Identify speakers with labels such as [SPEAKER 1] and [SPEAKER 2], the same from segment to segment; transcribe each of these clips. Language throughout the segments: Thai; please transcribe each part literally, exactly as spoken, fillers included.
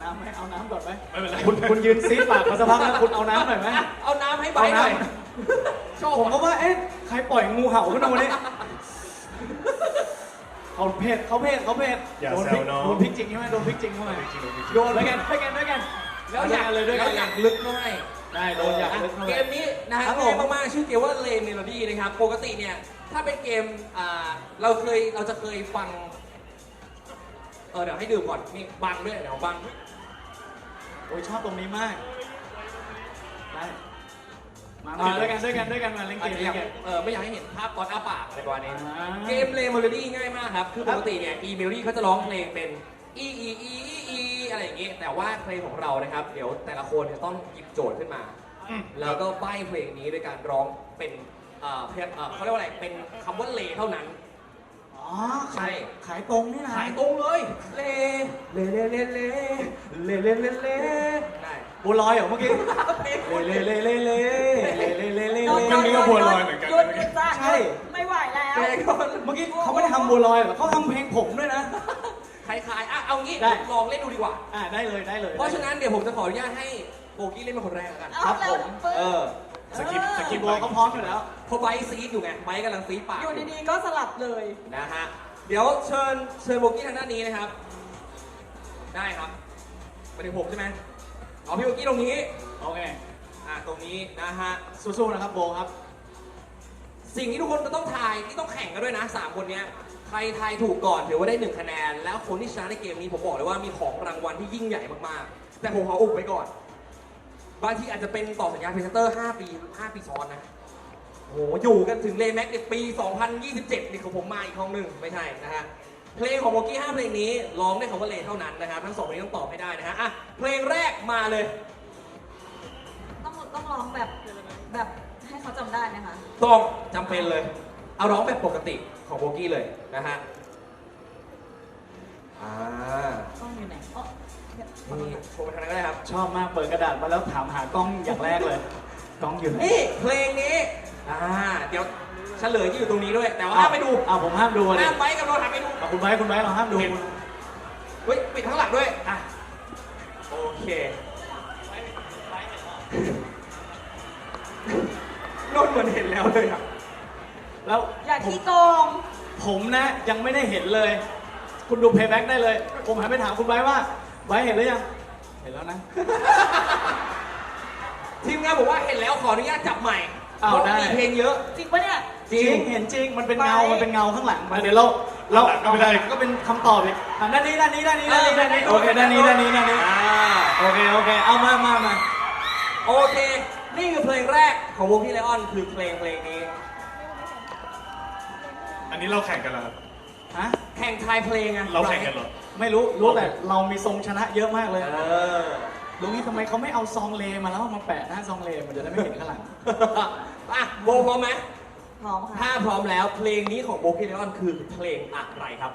[SPEAKER 1] น้ำไหมเอาน้ำก่อนไหม
[SPEAKER 2] ไม่เป็นไร
[SPEAKER 1] คุณคุณยืนซีดปากมาสักพักแล้วคุณเอาน้ำหน่อยไหม
[SPEAKER 3] เอาน้ำให้ใบหน่อยชอบ
[SPEAKER 1] ผมก็ว่าเอ๊ะใครปล่อยงูเห่าขึ้นมาวันนี้เขาเพศเขาเพศเขาเพศ
[SPEAKER 2] อย่า
[SPEAKER 1] โดน
[SPEAKER 2] แซ
[SPEAKER 1] พริ
[SPEAKER 2] ว
[SPEAKER 1] ก
[SPEAKER 2] น้อง
[SPEAKER 1] โดนพริกจริงใช่ไหมโดนพริกจริงเข้ามา
[SPEAKER 2] จริงๆจริง
[SPEAKER 1] โดนด้วยกันด้วยกันด้วยกัน
[SPEAKER 3] แล้วอยาก
[SPEAKER 1] เลยด้วยกัน
[SPEAKER 3] แล้วอยากลึกหน่อย
[SPEAKER 1] ได้โดนอยากลึกเข้าไป
[SPEAKER 3] เกมนี้นะฮะ
[SPEAKER 1] ครับผม
[SPEAKER 3] ง่ายมากๆชื่อเกมว่าเลเมโลดี้นะครับปกติเนี่ยถ้าเป็นเกมอ่าเราเคยเราจะเคยฟังเออเดี๋ยวให้ดื่มก่อนนี่บังด้วยเดี๋ยวบัง
[SPEAKER 1] โอ้ยชอบตรงนี้มากได้มามาด้วยกันด้วยกันด้วยกันมาเล่นเก
[SPEAKER 3] อัน
[SPEAKER 1] ม
[SPEAKER 3] นี้
[SPEAKER 1] เล่
[SPEAKER 3] อน ยาก
[SPEAKER 1] เกม
[SPEAKER 3] เออไม่อยากให้เห็นภาพตอนอ้าปากอะไรประมาณนี้
[SPEAKER 1] อ่า
[SPEAKER 3] เกมเลเมโลดี้ง่ายมากครับคือปกติเนี่ยอีเมโลดี้เขาจะร้องเพลงเป็นอีอีอีอีอีอะไรอย่างงี้แต่ว่าเพลงของเรานะครับเดี๋ยวแต่ละคนจะต้องหยิบโจทย์ขึ้นมา แล้วก็ใบ้เพลงนี้ด้วยการร้องเป็นเอ่อเพลงเอ่อเขาเรียกว่าอะไรเป็นคำว่าเลเท่านั้น
[SPEAKER 1] อ๋อ
[SPEAKER 3] ใช่
[SPEAKER 1] ขายขายตรงนี่นะ
[SPEAKER 3] ขายตรงเลยเลเลเลเลเลเลเลเลเลได้
[SPEAKER 1] บัวลอยเหรอเมื่อกี้
[SPEAKER 3] เพลง
[SPEAKER 1] เล่เล่เล่เล่เล่เล่เล่เล่เล่
[SPEAKER 2] เรื่องนี้ก็บัวลอยเหมือนกัน
[SPEAKER 4] หยุดหยุดจ้ะ
[SPEAKER 1] ใช่
[SPEAKER 4] ไม่ไหวแล้ว
[SPEAKER 3] เพลงก่อน
[SPEAKER 1] เมื่อกี้เขาไม่ได้ทำบัวลอยเหรอเขาทำเพลงผมด้วยนะ
[SPEAKER 3] คล้ายๆอ่ะเอางี้
[SPEAKER 1] ได้
[SPEAKER 3] ลองเล่นดูดีกว่า
[SPEAKER 1] อ่าได้เลยได้เลย
[SPEAKER 3] เพราะฉะนั้นเดี๋ยวผมจะขออนุญาตให้โบกี้เล่นเป็นคนแรกแล้วกัน
[SPEAKER 4] เอาเร็ว
[SPEAKER 1] ผม
[SPEAKER 3] เออ
[SPEAKER 2] สกิปสกิป
[SPEAKER 1] บัวเขาพร้อมอยู่แล้ว
[SPEAKER 3] เพราะไบร์ทซีดอยู่ไงไบร์ทกำลังซีดปาก
[SPEAKER 4] อยู่ดีๆก็สลับเลย
[SPEAKER 3] นะฮะเดี๋ยวเชิญเชิญโบกี้ทางด้านนี้นะครับ ได้ครับไปถึงผมใช่ไหมเอาพี่โบกี้ตรงนี้
[SPEAKER 1] โอเค
[SPEAKER 3] อ่ะตรงนี้นะฮะ
[SPEAKER 1] สู้ๆนะครับโบครับ
[SPEAKER 3] สิ่งที่ทุกคนจะต้องทายที่ต้องแข่งกันด้วยนะสามคนเนี้ยใครทายถูกก่อนถือว่าได้หนึ่งคะแนน แล้วคนที่ชนะในเกมนี้ผมบอกเลยว่ามีของรางวัลที่ยิ่งใหญ่มากๆ แต่ผมขออุบไว้ก่อน บางทีอาจจะเป็นต่อสัญญาพรีเซนเตอร์ห้าปีห้าปีซ้อนนะโหอยู่กันถึงเลแม็กในปี สองพันยี่สิบเจ็ด นี่ของผมมาอีกห้องหนึ่งไม่ใช่นะฮะเพลงของโบกี้ห้าเพลงนี้ร้องได้คำว่าเลเท่านั้นนะครับทั้งสองเพลงต้องตอบให้ได้นะฮะอ่ะเพลงแรกมาเลย
[SPEAKER 4] ต้องต้องร้องแบบแบบให้เขาจำได้ไหมคะ
[SPEAKER 3] ต้องจำเป็นเลย เอาร้องแบบปกติของโบกี้เลยนะฮะ อ่า
[SPEAKER 4] ต้องอยู่ไหนอ๋อเดี๋ยว
[SPEAKER 3] นี่โชว์ไปทางนั้นก็ได้ครับ
[SPEAKER 1] ชอบมากเปิดกระดาษมาแล้วถามหากล้องอย่างแรกเลยกล้องอยู่ไหน
[SPEAKER 3] นี่เพลงนี้ อ่า เดี๋ยวเฉลยที่อยู่ตรงนี้ด้วย แต่ว่าห้ามไปดู
[SPEAKER 1] อ้าวผมห้ามดูเลย
[SPEAKER 3] ห้ามไว้กับเราหันไปดู
[SPEAKER 1] คุณไบร์ทคุณไบร์ทเราห้ามดู
[SPEAKER 3] เฮ้ย ปิดข้างหลังด้วย อ่ะ โอเค นนท์เหมือนเห็นแล้วเลยอ่ะ
[SPEAKER 1] แล้ว
[SPEAKER 4] อย่า
[SPEAKER 1] ผม
[SPEAKER 4] ขี้โกง
[SPEAKER 1] ผมนะยังไม่ได้เห็นเลย คุณดูเพย์แบ็กได้เลย ผมหันไปถามคุณไบร์ทว่าไบร์ทเห็นหรือยังเห็นแล้วนะ
[SPEAKER 3] ทีมงานบอกว่าเห็นแล้วขออนุญาตจับใหม่
[SPEAKER 1] อ้าว
[SPEAKER 3] เพราะ
[SPEAKER 1] ได้
[SPEAKER 3] มีเพลงเยอะ
[SPEAKER 4] จริงปะเนี่ย
[SPEAKER 3] จริง
[SPEAKER 1] เห็นจริงมันเป็นเงา
[SPEAKER 4] ไบร์ท
[SPEAKER 1] มันเป็นเงาข้างหลังมาเดี๋ยวเราเรา
[SPEAKER 2] ก็ไม่ได้
[SPEAKER 1] ก็เป็นคำตอบอีกอ่ะด้านนี้ด้านนี้ด้านนี้ด้านนี้ด้านนี้โอเคด้านนี้ด้านนี้ด้านนี้
[SPEAKER 3] อ่า
[SPEAKER 1] โอเคโอเคเอามามามา
[SPEAKER 3] โอเค นี่คือเพลงแรกของวงพี่ไลออนคือเพลงเพลงนี้
[SPEAKER 2] อันนี้เราแข่งกันแล้วครับ
[SPEAKER 1] ฮะ
[SPEAKER 3] แข่งทายเพลงอะ
[SPEAKER 2] เราแข่งกันเหรอ
[SPEAKER 1] ไม่รู้รู้แต่เรามีทรงชนะเยอะมากเลย
[SPEAKER 3] เออ
[SPEAKER 1] ลุงนี่ทำไมเขาไม่เอาซองเลมาแล้วเอามาแปะหน้าซองเลมันจะได้ไม่เห็นข้างหลัง
[SPEAKER 3] อ่ะโบพร้อมไหม
[SPEAKER 4] พร้อมค่ะ
[SPEAKER 3] ถ้าพร้อมแล้วเพลงนี้ของโบพี่ไลออนคือเพลงอะไรครับ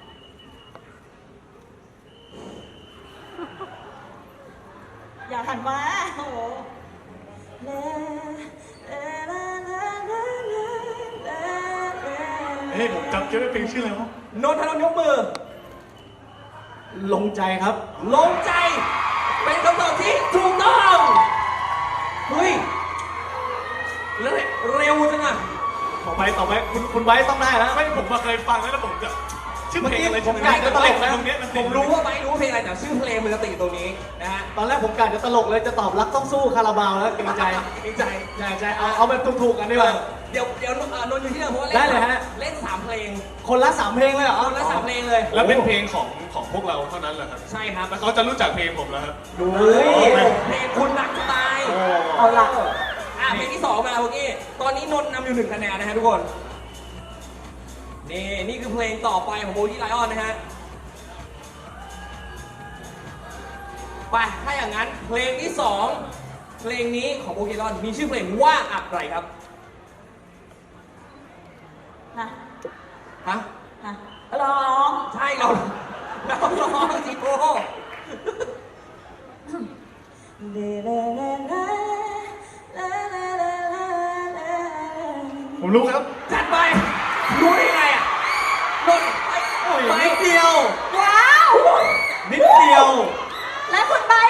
[SPEAKER 4] อย่าหันมาโอ้โหเลเลเลเลเลเลเล
[SPEAKER 2] เฮ้ยผมจำเกี่ยวกับเพลงชื่ออะไรวะ
[SPEAKER 3] นนทนนท์ยกมือ
[SPEAKER 1] ลงใจครับ
[SPEAKER 3] ลงใจ เป็นคำตอบที่ถูกต้องเฮ้ยเร็วเร็วจังอะ
[SPEAKER 1] ต่อไปต่อไปคุณคุณไบร์ทต้องได้แล้ว
[SPEAKER 2] ไม่ผมมาเคยฟังแล้วแล้วผมจะชื่อเพลงอะไร
[SPEAKER 1] ผมกะจะตลกนะ
[SPEAKER 2] ตรงเนี้ยมัน
[SPEAKER 3] ผมรู้ว่าไม่รู้เพลงอะไรแต่ชื่อเพลงมันจะติดอยู่ตรงนี้นะฮะ
[SPEAKER 1] ตอนแรกผมกะจะตลกเลยจะตอบรักต้องสู้คาราบาวแล้วเกรงใจ
[SPEAKER 3] เกรงใจ
[SPEAKER 1] ใช่ใช่เอาเอาแบบถูกๆกันดีกว่า
[SPEAKER 3] เดี๋ยวเดี๋ยวเอ่อนนท์อยู่ที่เดิมเพราะว่า
[SPEAKER 1] ได้
[SPEAKER 3] เล่น
[SPEAKER 1] เลยฮะ
[SPEAKER 3] เล่นสามเพลง
[SPEAKER 1] คนละสามเพลงเลยเหรอ
[SPEAKER 3] คนละสามเพลงเลย
[SPEAKER 2] แล้วเป็นเพลงของของพวกเราเท่านั้นแหละครับ
[SPEAKER 3] ใช่ครับ
[SPEAKER 2] แล้วเขาจะรู้จักเพลงผมแล้วครับ
[SPEAKER 1] ดู
[SPEAKER 3] เฮ้ย
[SPEAKER 1] เลย
[SPEAKER 3] เพลงคุณรักจะตาย
[SPEAKER 4] เอาละ
[SPEAKER 3] อ่ะเพลงที่สองมาเมื่อกี้ตอนนี้นนท์นำอยู่หนึ่งคะแนนนะฮะทุกคน นี่นี่คือเพลงต่อไปของโบกี้ไลออนนะฮะ ไป ถ้าอย่างนั้นเพลงที่สองเพลงนี้ของโบกี้ไลออนมีชื่อเพลงว่าอะไรครับ
[SPEAKER 4] ฮะ
[SPEAKER 3] ฮะ
[SPEAKER 4] ฮะร้อง
[SPEAKER 3] ใช่เราเราร้องจิโก้
[SPEAKER 4] เลเลเลเลเลเลเลเล
[SPEAKER 2] ผมรู้ครับ
[SPEAKER 3] จัดไป รู้ได้ไงอ่ะนนท์
[SPEAKER 1] โอ้ย
[SPEAKER 3] ไป
[SPEAKER 1] นิดเดียว
[SPEAKER 4] ว้าว
[SPEAKER 1] นิดเดียว
[SPEAKER 4] และ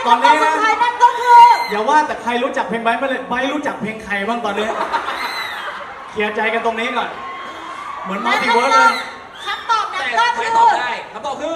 [SPEAKER 1] ตอนนี้
[SPEAKER 4] คำตอบ
[SPEAKER 1] นะ
[SPEAKER 4] สุดท้ายนั่นก็คือ
[SPEAKER 1] อย่าว่าแต่ใครรู้จักเพลงไบร์ทมาเลยไบร์ทรู้จักเพลงใครบ้างตอนนี้ เคลียร์ใจกันตรงนี้ก่อน เหมือนมัลติเวิร์สเลย
[SPEAKER 4] คำตอบนั้น
[SPEAKER 3] แต่
[SPEAKER 4] ก็
[SPEAKER 3] ใคร
[SPEAKER 4] คือ
[SPEAKER 3] ตอบได้คำตอบคือ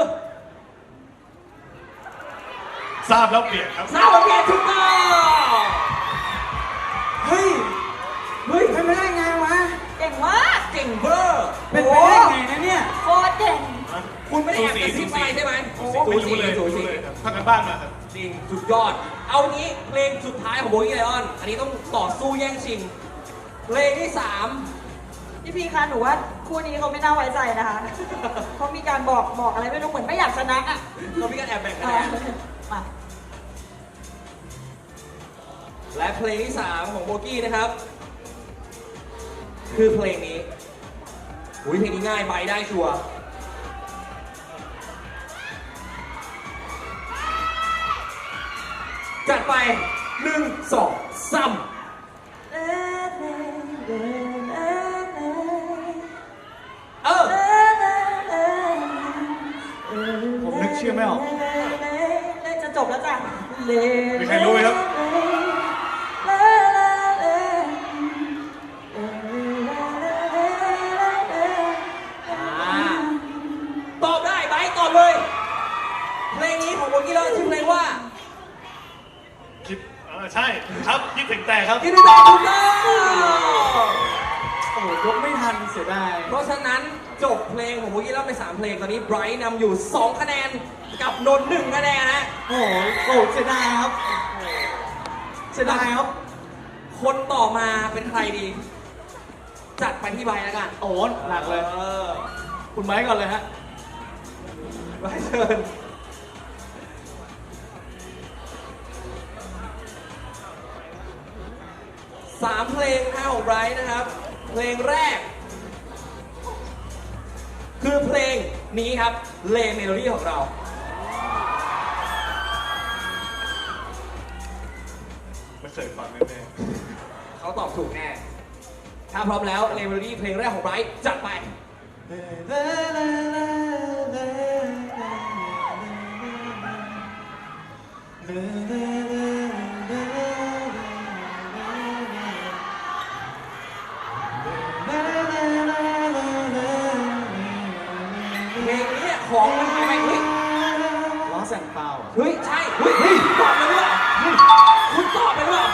[SPEAKER 2] ทราบแล้วเปลี่ยนครับ
[SPEAKER 3] ซาวเพียนถูกต้อง
[SPEAKER 1] เฮ้ย เฮ้ยเป็นไปได้ไงวะ
[SPEAKER 4] เก่งมาก
[SPEAKER 3] เก่งเบอร์
[SPEAKER 1] เป็นไปได้ไงนะเนี่ย
[SPEAKER 4] โคตรเก่ง
[SPEAKER 3] คุณไม่ได้แอบกระซิบอะไรใช่ไหม
[SPEAKER 2] ไม่รู้เลย
[SPEAKER 3] สู
[SPEAKER 2] รู้
[SPEAKER 3] สี
[SPEAKER 2] เลยครับพักกันบ้านมาครับ
[SPEAKER 3] จริงสุดยอด เอางี้เพลงสุดท้ายของโบกี้ไลออน อันนี้ต้องต่อสู้แย่งชิง เพลงที่สาม
[SPEAKER 4] พี่พีคะหนูว่าคู่นี้เขาไม่น่าไว้ใจนะคะ เขามีการบอกบอกอะไรไม่รู้เหมือนไม่อยากชนะอ่ะ
[SPEAKER 3] เรามีการแอบแบ่งคะ
[SPEAKER 4] เอ
[SPEAKER 3] แน
[SPEAKER 4] อน มา
[SPEAKER 3] และเพลงที่สามของโบกี้นะครับ คือเพลงนี้อุ้ยเพลงนี้ง่ายไปได้ชัวร์จัดไปหนึ่งสองสามเออ
[SPEAKER 1] ผมนึกชื่อไม่ออก
[SPEAKER 4] จะจบแล้วจ้ะ
[SPEAKER 2] มีใครรู้ไหมครับ
[SPEAKER 3] อ่าตอบได้ไบร์ทตอบเลย เพลงนี้ของโบกี้แล้วชื่อเพลงว่า
[SPEAKER 2] คิดเออใช่ครับคิดถึงแต่ครับ
[SPEAKER 3] คิดดูแต่ถูกต้อง
[SPEAKER 1] โอ้โหยกไม่ทันเสียดาย
[SPEAKER 3] เพราะฉะนั้นจบเพลงของโบกี้แล้วไปสามเพลงตอนนี้ไบรท์นำอยู่สองคะแนนกับนนท์หนึ่งคะแนนนะ
[SPEAKER 1] โอ้โหโอ้โหเสียดายครับ เสียดายครับ
[SPEAKER 3] คนต่อมาเป็นใครดี จัดไปที่ไบรท์แล้วกัน
[SPEAKER 1] โอ้โหหนักเลย
[SPEAKER 3] ออ
[SPEAKER 1] คุณไบร์ทก่อนเลยฮะ
[SPEAKER 3] ไบรท์เชิญสามเพลงนะของไบรท์นะครับ เพลงแรก คือเพลงนี้ครับเลเมโลดี้ของเรา
[SPEAKER 2] ไม่เคยฟังแน่
[SPEAKER 3] เขาตอบถูกแน่ ถ้าพร้อมแล้วเลเมโลดี้เพลงแรกของไบรท์จัดไป เพลงนี้เนี่ยของมันหายไปเฮ้ย
[SPEAKER 1] ล้อแสงเปล่าอ่ะ
[SPEAKER 3] เฮ้ย ใช่ เฮ้ยเฮ้ยตอบไปหรือเปล่าเฮ้ยคุณตอบไปหรือเปล่า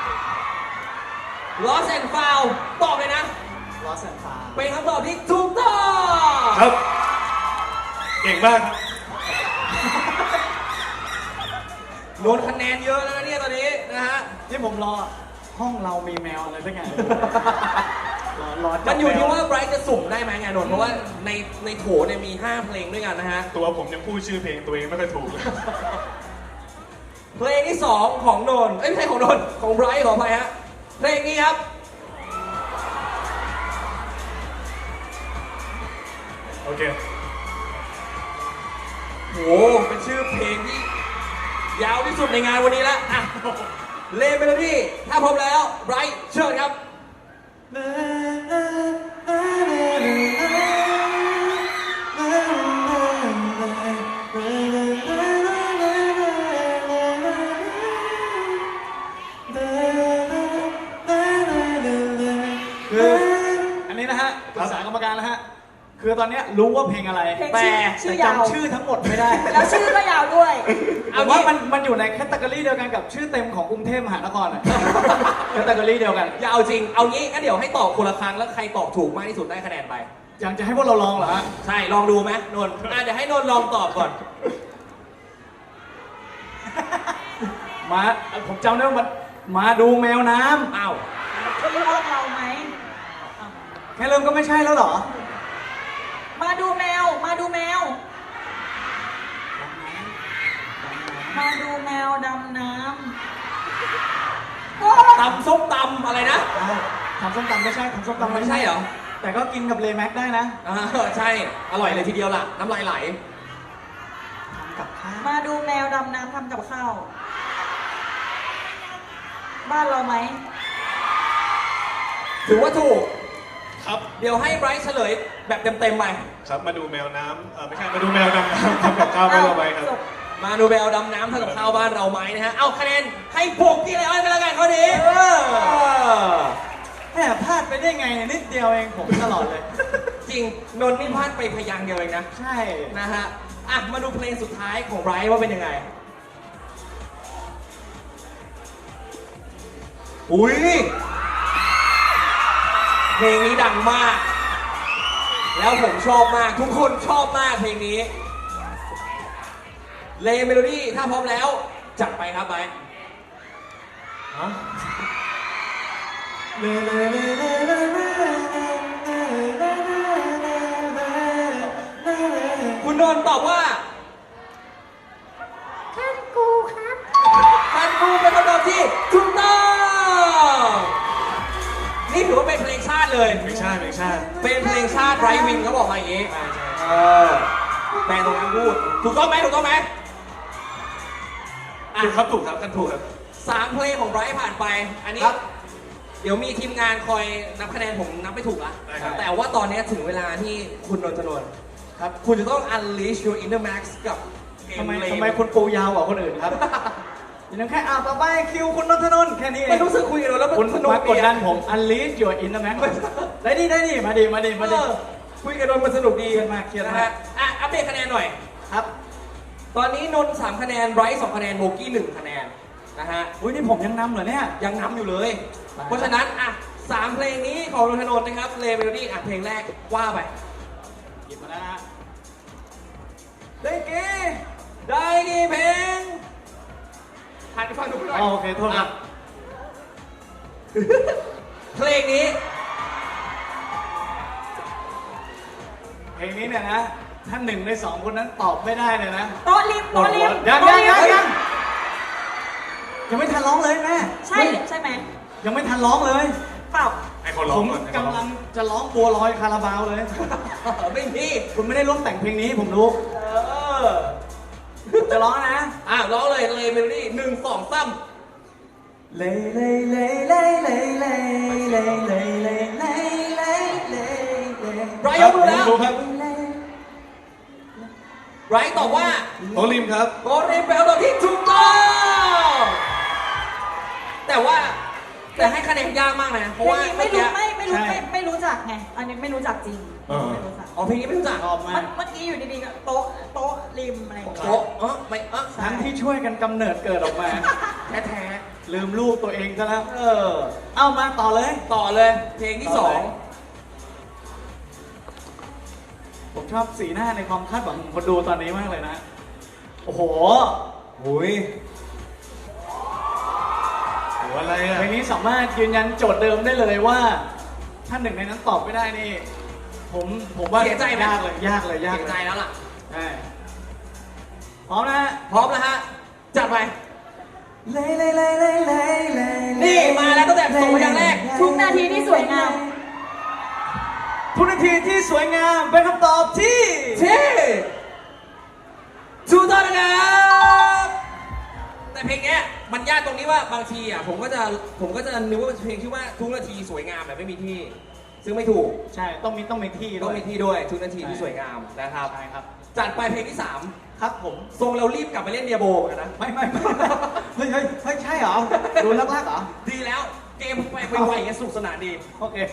[SPEAKER 3] Lost and Found ตอบเลยนะ
[SPEAKER 1] ล้อแสงเปล่า
[SPEAKER 3] เป็นคำตอบที่ถูกต้อง
[SPEAKER 2] ๆครับ เก่งมากครับ
[SPEAKER 3] โดนคะแนนเยอะแล้วนะเนี่ยตอนนี้นะฮะ
[SPEAKER 1] ที่ผมรอห้องเรามีแมวอะไรสักอย่าง รอรอจับ
[SPEAKER 3] มันอยู่ที่
[SPEAKER 1] แม
[SPEAKER 3] ว่าไบรท์จะสุ่มได้ไหมไงนนท์เพราะว่าในในโถเนี่ยมีห้าเพลงด้วยกันนะฮะ
[SPEAKER 2] ตัวผมยังพูดชื่อเพลงตัวเองไม่ค่อยถูกเลย
[SPEAKER 3] เพลงที่สองของนนท์เอ้ยไม่ใช่ของนนท์ของไบรท์ขออภัยฮะ เพลงนี้ครับ
[SPEAKER 2] โอเค
[SPEAKER 3] โห เป็นชื่อเพลงที่ยาวที่สุดในงานวันนี้แล้วอ่ะเลเมโลดี้ถ้าพร้อมแล้วไบรท์เชิญครับ
[SPEAKER 1] คืออันนี้นะฮะปรึกษากรรมการนะฮะ คือตอนเนี้ยรู้ว่าเพลงอะไร
[SPEAKER 4] เพลง
[SPEAKER 1] แต่
[SPEAKER 4] ชื่อชื่
[SPEAKER 1] แต่
[SPEAKER 4] อยาว
[SPEAKER 1] จำชื่อทั้งหมดไม่ได้
[SPEAKER 4] แล้วชื่อก็ยาวด้วย
[SPEAKER 1] ผมว่ามันมันอยู่ในแคตตากรีเดียวกันกับชื่อเต็มของกรุงเทพมหานครอ่ะ แคตตากรีเดียวกัน
[SPEAKER 3] อย่าเอาจริง เอางี้งั้นเดี๋ยวให้ตอบคนละครั้งแล้วใครตอบถูกมากที่สุดได้คะแนนไป
[SPEAKER 1] ยังจะให้พวกเราลองเหรอฮะ
[SPEAKER 3] ใช่ ลองดูไหมนนท์อ่ะเดี๋ยวให้นนท์ลองตอบก่อน
[SPEAKER 1] มาผมจำได้ว่ามันมาดูแมวน้
[SPEAKER 3] อ้าว
[SPEAKER 4] เขาเลือกเราไหม
[SPEAKER 1] ำแค่เริ่มก็ไม่ใช่แล้วเหรอ
[SPEAKER 4] มาดูแมว มาดูแมว มาดูแมวดำน้ำโอ้
[SPEAKER 3] ตำส้มตำอะไรนะ
[SPEAKER 1] อ้าวทำส้มตำไม่ใช่ทำส้มตำ
[SPEAKER 3] ไม่ใช่เหรอ
[SPEAKER 1] แต่ก็กินกับเลแม็กได้นะ
[SPEAKER 3] อ่าใช่ อร่อยเลยทีเดียวล่ะ น้ำลายไหล
[SPEAKER 1] ทำกับข้าว
[SPEAKER 4] มาดูแมวดำน้ำทำกับข้าว บ้านเราไหม
[SPEAKER 3] ถือว่าถูก
[SPEAKER 2] ครับ
[SPEAKER 3] เดี๋ยวให้ไบรท์เฉลยแบบเต็มๆไป
[SPEAKER 2] ครับ มาดูแมวน้ำเออไม่ใช่ มาดูแมวดำน้ำทำกับข้าวไม่เราไปครับ
[SPEAKER 4] จบ
[SPEAKER 3] มาดูไปเอาดำน้ำทำกับข้าวบ้านเราไหมนะฮะ เอาคะแนนให้โบกี้เลยอ้อยไปแล้วกันข้อนี้
[SPEAKER 1] เออแหมพลาดไปได้ไงเนี่ยนิดเดียวเองผมตลอดเลย
[SPEAKER 3] จริง นนท์นี่พลาดไปพยางค์เดียวเองนะ
[SPEAKER 1] ใช่
[SPEAKER 3] นะฮะ อ่ะ มาดูเพลงสุดท้ายของไบรท์ว่าเป็นยังไง อุ้ย เพลงนี้ดังมาก แล้วผมชอบมาก ทุกคนชอบมากเพลงนี้ เลเมโลดี้ถ้าพร้อมแล้ว จัดไปครับไบรท์
[SPEAKER 2] ฮะ
[SPEAKER 3] คุณนนท์ตอบว่า
[SPEAKER 5] ท่านกูครับ
[SPEAKER 3] ท่านกูเป็นคำตอบที่ถูกต้องนี่ถือว่าเป็นเพลงชาติเลย
[SPEAKER 2] ไม่ใช่ไม่ใช่
[SPEAKER 3] เป็นเพลงชาติไรวินเขาบอกมาอย่างนี้
[SPEAKER 2] ใช่ใช่
[SPEAKER 3] เออแปลตรงนั้นพูด ถูกต้องไหมถูกต้องไหมอ่ะ
[SPEAKER 2] ถูกครับถูกครับกันถูกครับ
[SPEAKER 3] สามเพลงของไบรท์ผ่านไป อันนี้
[SPEAKER 1] ครับ
[SPEAKER 3] เดี๋ยวมีทีมงานคอยนับคะแนนผมนับไม่ถูกละ
[SPEAKER 2] ได้ครับ
[SPEAKER 3] แต่ว่าตอนนี้ถึงเวลาที่คุณนนทนนท์ครับ คุณจะต้อง unleash your inner max กับเกม
[SPEAKER 1] ทำไม
[SPEAKER 3] เล
[SPEAKER 1] ทำไมคุณปูยาวกว่าคนอื่นครับยังแค่อ่าต่อไปคิวคุณนนทนนท์แค่นี้เอ
[SPEAKER 3] มัน
[SPEAKER 1] ง
[SPEAKER 3] รู้สึกคุยกันแล้วมัน
[SPEAKER 1] คุณ
[SPEAKER 3] สนุก
[SPEAKER 1] มากดดันผม unleash your inner man ได้ดิได้ดิมาดิมาดิมาดิ
[SPEAKER 3] เออคุยกันโดนมันสนุกดี
[SPEAKER 1] เครียดมากเครียด
[SPEAKER 3] นะ
[SPEAKER 1] มาก
[SPEAKER 3] ฮะอ่ะอัปเดตคะแนนหน่อย
[SPEAKER 1] ครับ
[SPEAKER 3] ตอนนี้นนท์สามคะแนนไบรท์สองคะแนนโบกี้หนึ่งคะแนนนะฮะ
[SPEAKER 1] อุ้ยนี่ผมยังนำเหรอเนี่ย
[SPEAKER 3] ยังนำอยู่เลย
[SPEAKER 1] ไป
[SPEAKER 3] เพราะฉะนั้นอ่ะสามเพลงนี้ของนนทนนท์นะครับเลเมโลดี้อ่ะเพลงแรกว่าไป
[SPEAKER 1] หยิบมาแล้วนะได้เก้
[SPEAKER 3] ได้ดีเพลงหันไปฟังดูหน่อย
[SPEAKER 1] อ๋อโอเคโทษครับ
[SPEAKER 3] อ่ะเพลงนี้
[SPEAKER 1] เพลงนี้เนี่ยนะท่านหนึ่งในสองคนนั้นตอบไม่ได้เลยนะ
[SPEAKER 4] โต๊ะริมโต๊ะริม
[SPEAKER 1] ยัง
[SPEAKER 4] โต๊ะ
[SPEAKER 1] ยัง
[SPEAKER 4] ริม
[SPEAKER 1] ยังยังยังไม่ทันร้องเลยแม่
[SPEAKER 4] ใช่ใช่ไหม
[SPEAKER 1] ยังไม่ทันร้องเลย
[SPEAKER 4] เปล่า
[SPEAKER 2] ให้เขาร้อ
[SPEAKER 1] ผ
[SPEAKER 2] ง
[SPEAKER 1] ม
[SPEAKER 2] ก่อนให้เขา
[SPEAKER 1] กำ
[SPEAKER 2] ร้
[SPEAKER 1] ลั
[SPEAKER 2] อง
[SPEAKER 1] งจะร้องบัวลอยคาราบาวเลย
[SPEAKER 3] ไม่มี
[SPEAKER 1] คุณไม่ได้ร่วมแต่งเพลงนี้ผมรู้
[SPEAKER 3] เออ
[SPEAKER 1] จะร้องนะ
[SPEAKER 3] อ่ะร้องเลยเลเมโลดี้หนึ่งสองสาม
[SPEAKER 1] เลเลเลเลเลเลเลเลเลเลเลเลเล
[SPEAKER 3] ไบรท์ยกมือแล้ว
[SPEAKER 2] รู้ครับ
[SPEAKER 3] ไบรท์ตอบว่า
[SPEAKER 2] โตริมครับ
[SPEAKER 3] โกเรนเป็นคำตอบที่ถูกต้องแต่ว่าแต่ให้คะแนนยากมากนะ เพ
[SPEAKER 4] เพ
[SPEAKER 3] ราะ
[SPEAKER 4] ลง
[SPEAKER 3] ว่า
[SPEAKER 4] นี้ไม่รู้ไม่ไม่รู้
[SPEAKER 1] ใช่
[SPEAKER 4] ไม่ไม่รู้จักไง อันนี้ไม่รู้จักจริง
[SPEAKER 2] เออ
[SPEAKER 4] ไม่รู้จัก
[SPEAKER 3] อ๋อเพลงนี้ไม่รู้จัก
[SPEAKER 1] ชอบมา
[SPEAKER 4] เมื่
[SPEAKER 1] ก
[SPEAKER 4] อเมื่อกี้อยู่ดีๆก็โต๊ะโต๊ะริมอะไรอย่างเงี้ย
[SPEAKER 3] โอ้เออไม่เออ
[SPEAKER 1] ทั้งที่ช่วยกันกำเนิดเกิดออกมา
[SPEAKER 3] แท้
[SPEAKER 1] ลืมลูกตัวเองซะแล้ว เออ เอามาต่อเลย
[SPEAKER 3] ๆต่อเลยเพลงที่สอง
[SPEAKER 1] ผมชอบสีหน้าในความคาดหวังของคนดูตอนนี้มากเลยนะ โอ้โห
[SPEAKER 3] หุย
[SPEAKER 2] โหอะไรอ่ะ
[SPEAKER 1] เพลงนี้สามารถยืนยันโจทย์เดิมได้เลยว่า ถ้าหนึ่งในนั้นตอบไม่ได้นี่ ผมผมว่า
[SPEAKER 3] เสียใจไหม
[SPEAKER 1] ยากเลยยากเลยยาก
[SPEAKER 3] เสีย
[SPEAKER 1] เล
[SPEAKER 3] ใจ
[SPEAKER 1] ย
[SPEAKER 3] แล้วล่ะ
[SPEAKER 1] ใช่พร้อมนะฮะ
[SPEAKER 3] พร้อมแล้วฮะ จัดไป
[SPEAKER 1] เลเลเลเลเลเล
[SPEAKER 3] นี่มาแล้วตั้งแต่ส่งพยางค์แรก
[SPEAKER 4] ทุกนาทีที่สวยงาม
[SPEAKER 1] ทุกนาทีที่สวยงามเป็นคำตอบที่
[SPEAKER 3] ที่ถูกต้องนะครับแต่เพลงเนี้ยมันยากตรงนี้ว่าบางทีอ่ะผมก็จะผมก็จะนึกว่าเป็นเพลงที่ว่าทุกนาทีสวยงามแบบไม่มีที่ ซึ่งไม่ถูก
[SPEAKER 1] ใช่ต้องมีต้องมีที่
[SPEAKER 3] ต้
[SPEAKER 1] ด้
[SPEAKER 3] อ
[SPEAKER 1] ว
[SPEAKER 3] ง
[SPEAKER 1] ย
[SPEAKER 3] มีที่ด้วยทุกนาทีที่สวยงามนะครับ
[SPEAKER 1] ใช่ครับ
[SPEAKER 3] จัดไปเพลงที่สาม
[SPEAKER 1] ครับผม
[SPEAKER 3] ทรงเรารีบกลับไปเล่นเดียโบกันนะ
[SPEAKER 1] ไม่ไม่ไม่เฮ้ยเฮ้ยเฮ้ยใช่เหรอดูลักลักๆเหรอ
[SPEAKER 3] ดีแล้วเกมไปไปไวอย่างเงี้ยสนุกสนานดี
[SPEAKER 1] โอเค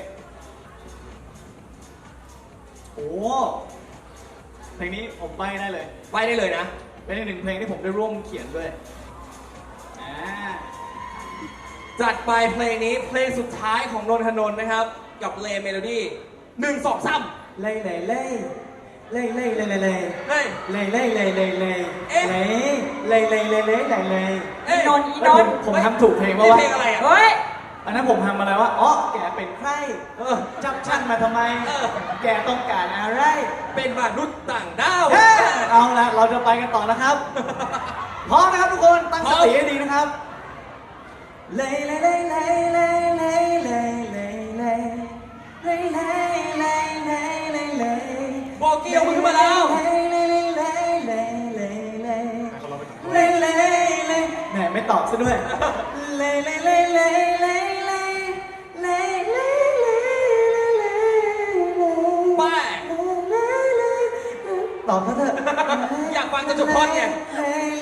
[SPEAKER 1] โอ้เพลงนี้ผมใบได้เลย
[SPEAKER 3] ไปได้เลยนะ
[SPEAKER 1] เป็นอีกหนึ่งเพลงที่ผมได้ร่วมเขียนด้วยอ่า
[SPEAKER 3] จัดไปเพลงนี้เพลงสุดท้ายของนนทนนท์นะครับ กับเลเมโลดี้หนึ่งสองสาม
[SPEAKER 1] เล่เล่เล่เล่เล่เล่เล่เล่
[SPEAKER 3] เฮ้ย
[SPEAKER 1] เล่เล่เล่เล่เล่
[SPEAKER 3] เอ๊ะ
[SPEAKER 1] เล่เล่เล่เล่เล่เล่เล่
[SPEAKER 3] เอ้ย
[SPEAKER 4] นนท์อี
[SPEAKER 1] เอ้
[SPEAKER 4] น
[SPEAKER 1] ย
[SPEAKER 4] น
[SPEAKER 1] ผม
[SPEAKER 4] ท์
[SPEAKER 1] ผมทำถูกเพลงปะ
[SPEAKER 3] นี่
[SPEAKER 1] วะ
[SPEAKER 3] เพลงอะไรอ่ะ
[SPEAKER 4] เฮ้ย
[SPEAKER 1] อันนั้นผมทำอะไรวะอ๋อแกเป็นใคร
[SPEAKER 3] เออ
[SPEAKER 1] จับฉันมาทำไม
[SPEAKER 3] เออ
[SPEAKER 1] แกต้องการอะไร
[SPEAKER 3] เป็นมนุษย์ต่างดาว
[SPEAKER 1] เฮ้ยเอาละเราจะไปกันต่อนะครับ พร้อมนะครับทุกคน ตั้งสติให้ดีนะครับ เลเลเลเลเลเลเลเลเลเลเลเลเลเลเล
[SPEAKER 3] โบกี้เอามือขึ้นมาแล้ว
[SPEAKER 1] เลเลเลเลเลเล
[SPEAKER 2] ให้เขาร้องไปก่อน
[SPEAKER 1] เลเลเลแหมไม่ตอบซะด้วย เลเลเลเลเลเลเลเลเล
[SPEAKER 3] ไป
[SPEAKER 1] ตอบเขาเถอะ
[SPEAKER 3] อยากฟังจนจบท่อนไง
[SPEAKER 1] เลเล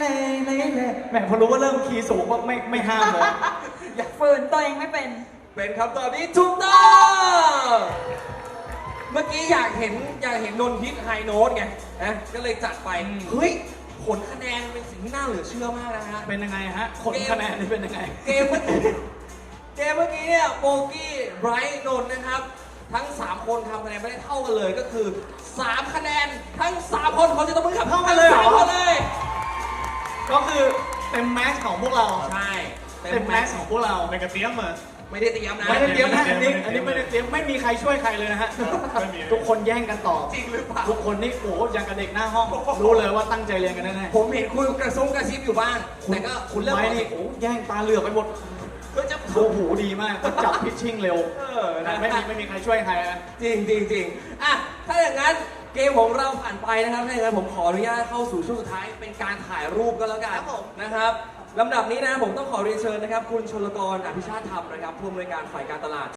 [SPEAKER 1] เล่เล่แหมพอรู้ว่าเริ่มคีย์สูงก็ไม่ไม่ห้ามเลย
[SPEAKER 4] อยากฝืนตัวเองไม่เป็น
[SPEAKER 3] เป็นคำตอบที่ถูกต้องเมื่อกี้อยากเห็นอยากเห็นนนท์ฮิตไฮโน้ตไงนะก็เลยจัดไป
[SPEAKER 1] อืม
[SPEAKER 3] เฮ้ยผลคะแนนเป็นสิ่งที่น่าเหลือเชื่อมากนะฮะ
[SPEAKER 1] เป็นยังไงฮะผลคะแนนนี่เป็นยังไง
[SPEAKER 3] เกมเมื่อกี้เกมเมื่อกี้เนี่ยโบกี้ไบรท์นนท์นะครับ ทั้ง สาม คนทำคะแนนไม่ได้เท่ากันเลยก็คือ สาม คะแนนทั้ง สาม คนเขาจะต้องมือขับ
[SPEAKER 1] เท่ากันเลยเหรอ
[SPEAKER 3] สามคนเลย
[SPEAKER 1] ก็คือเต็มแม็กซ์ของพวกเรา
[SPEAKER 3] ใช่
[SPEAKER 1] เต็มแม็กซ์ของพวกเรา
[SPEAKER 2] ในกระเทียมอ่ะ
[SPEAKER 3] ไม่ได้เตรียมนะ
[SPEAKER 1] ไม่ได้เตรียมนะ
[SPEAKER 2] ไม่
[SPEAKER 1] อัน
[SPEAKER 2] ได้
[SPEAKER 1] นี้
[SPEAKER 2] เตรียม
[SPEAKER 1] อันนี้ไม่ได้เตรียมไม่มีใครช่วยใครเลยนะฮะ
[SPEAKER 2] ไม่มี
[SPEAKER 1] ทุกคนแย่งกันตอบ
[SPEAKER 3] จริงหรือเปล่า
[SPEAKER 1] ทุกคนนี่โอ้โหอย่างกับเด็กหน้าห้อง รู้เลยว่าตั้งใจเรียนกันแน่
[SPEAKER 3] ผมเห็นคุณกระซุ่มกระซิบอยู่บ้าง
[SPEAKER 1] ๆคุณ
[SPEAKER 3] แต่ก็
[SPEAKER 1] คุณ
[SPEAKER 3] เริ่ม
[SPEAKER 1] ไม้นี่โอ้โหแย่งตาเหลือกไปหมด
[SPEAKER 3] ก็จะ
[SPEAKER 1] โอ้โหดีมากก็จับพิชชิ่งเร็ว
[SPEAKER 3] เออนะ
[SPEAKER 1] ไม่มีไม่มีใครช่วยใครนะ
[SPEAKER 3] จริงจริงจริงอ่ะถ้าอย่างนั้นเกมของเราผ่านไปนะครับถ้าอย่างนั้นผมขออนุญาตเข้าสู่ช่วงสุดท้ายเป็นการถ่ายรูปก็แล้วกันนะครับลำดับนี้นะผมต้องขอเรียนเชิญนะครับ คุณชลกรอภิชาติธรรมนะครับผู้อำนวยการฝ่ายการตลาด